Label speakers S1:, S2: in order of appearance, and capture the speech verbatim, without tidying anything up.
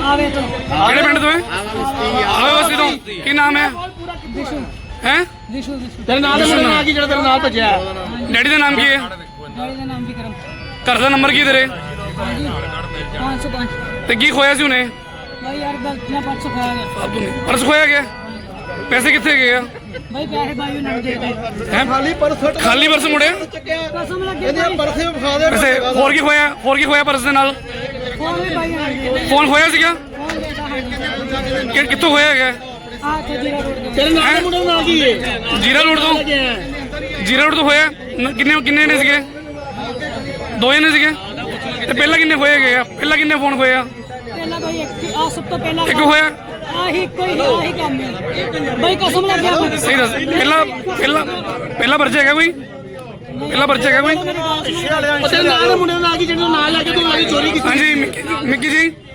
S1: ਆਵੇ ਤੋਂ
S2: ਕਿਹੜੇ ਪਿੰਡ ਤੋਂ ਹੈ? ਆਵੇ ਬਸਤੀ ਤੋਂ। ਕੀ ਨਾਮ ਹੈ?
S1: ਵਿਸ਼ੂ
S2: ਹੈ
S1: ਵਿਸ਼ੂ ਵਿਸ਼ੂ
S3: ਤੇਰੇ ਨਾਲ ਦੇ ਮੁੰਡੇ ਨਾਲ ਕੀ ਜਿਹੜਾ ਤੇਰੇ ਨਾਲ ਭੱਜਿਆ?
S2: ਡੈਡੀ ਦਾ ਨਾਮ ਕੀ ਹੈ?
S1: ਡੈਡੀ ਦਾ ਨਾਮ ਵੀ ਕਰਮ
S2: ਘਰ ਦਾ ਨੰਬਰ ਕੀ ਤੇਰੇ?
S1: ਹਾਂਜੀ ਪੰਜ ਸੌ ਪੰਜ।
S2: ਤੇ ਕੀ ਖੋਇਆ ਸੀ ਉਹਨੇ?
S1: ਭਾਈ ਯਾਰ ਗਲਤੀ ਨਾਲ ਪਰਸ ਖਾਇਆ ਗਿਆ।
S2: ਫਾਲਤੂ ਨਹੀਂ। ਪਰਸ ਖੋਇਆ ਗਿਆ? ਪੈਸੇ ਕਿੱਥੇ ਗਏ ਆ?
S1: ਭਾਈ ਪੈਸੇ ਭਾਈ ਉਹਨਾਂ ਨੂੰ ਦੇ ਦੇ
S2: ਹੈਂ?
S3: ਖਾਲੀ ਪਰਸ
S2: ਖਾਲੀ ਪਰਸ ਮੁੜਿਆ?
S1: ਕਸਮ ਲੱਗੇ
S3: ਇਹਦੇ ਪਰਸੇ ਵਿਖਾ ਦੇ।
S2: ਵੈਸੇ ਹੋਰ ਕੀ ਖੋਇਆ? ਹੋਰ ਕੀ ਖੋਇਆ ਪਰਸ ਦੇ ਨਾਲ?
S1: ਫੋਨ ਵੀ ਭਾਈ ਉਹਨਾਂ ਨੂੰ ਦੇ ਦੇ।
S2: ਫੋਨ ਖੋਇਆ ਸੀਗਾ?
S1: ਫੋਨ ਦੇਤਾ ਹੈ
S2: ਕਿ ਕਿੱਥੋਂ ਖੋਇਆ ਹੈਗਾ?
S1: ਆ ਤੇ ਜੀਰਾ ਰੋਡ ਦੇ
S3: ਤੇਰੇ ਨਾਲ ਦੇ ਮੁੰਡੇ ਨਾਲ ਕੀ ਹੈ?
S2: ਜੀਰਾ ਰੋਡ ਤੋਂ? ਜੀਰਾ ਰੋਡ ਤੋਂ ਹੋਇਆ? ਨ- ਕਿੰਨੇ ਕਿੰਨੇ ਨੇ ਸੀਗੇ? ਦੋ ਜਣੇ ਸੀਗੇ? ਤੇ ਪਹਿਲਾਂ ਕਿੰਨੇ ਖੋਏ ਗਏ ਆ? ਪਹਿਲਾਂ ਕਿੰਨੇ ਫੋਨ ਖੋਏ ਆ?
S1: ਪਹਿਲਾਂ ਭਾਈ ਇੱਕ ਆ ਸਭ ਤੋਂ ਪਹਿਲਾਂ
S2: ਇੱਕ ਹੋਇਆ?
S1: ਆਹੀ ਕੋਈ ਆਹੀ ਕੰਮ ਹੈ ਭਾਈ ਕਸਮ ਲੱਗਿਆ
S2: ਸਹੀ ਦੱਸ। ਪਹਿਲਾਂ ਪਹਿਲਾਂ ਪਹਿਲਾਂ ਪਰਚਾ ਹੈਗਾ ਕੋਈ? ਪਹਿਲਾਂ ਪਰਚਾ ਹੈਗਾ ਕੋਈ?
S3: ਤੇਰੇ ਨਾਲ ਦੇ ਮੁੰਡੇ ਨਾਲ ਕੀ ਜਿਹੜਾ ਨਾਲ ਲੈ ਕੇ ਤੂੰ ਆ ਕੇ ਚੋਰੀ ਕੀਤੀ?
S2: ਹਾਂਜੀ ਮਿੱਕੀ ਮਿੱਕੀ ਜੀ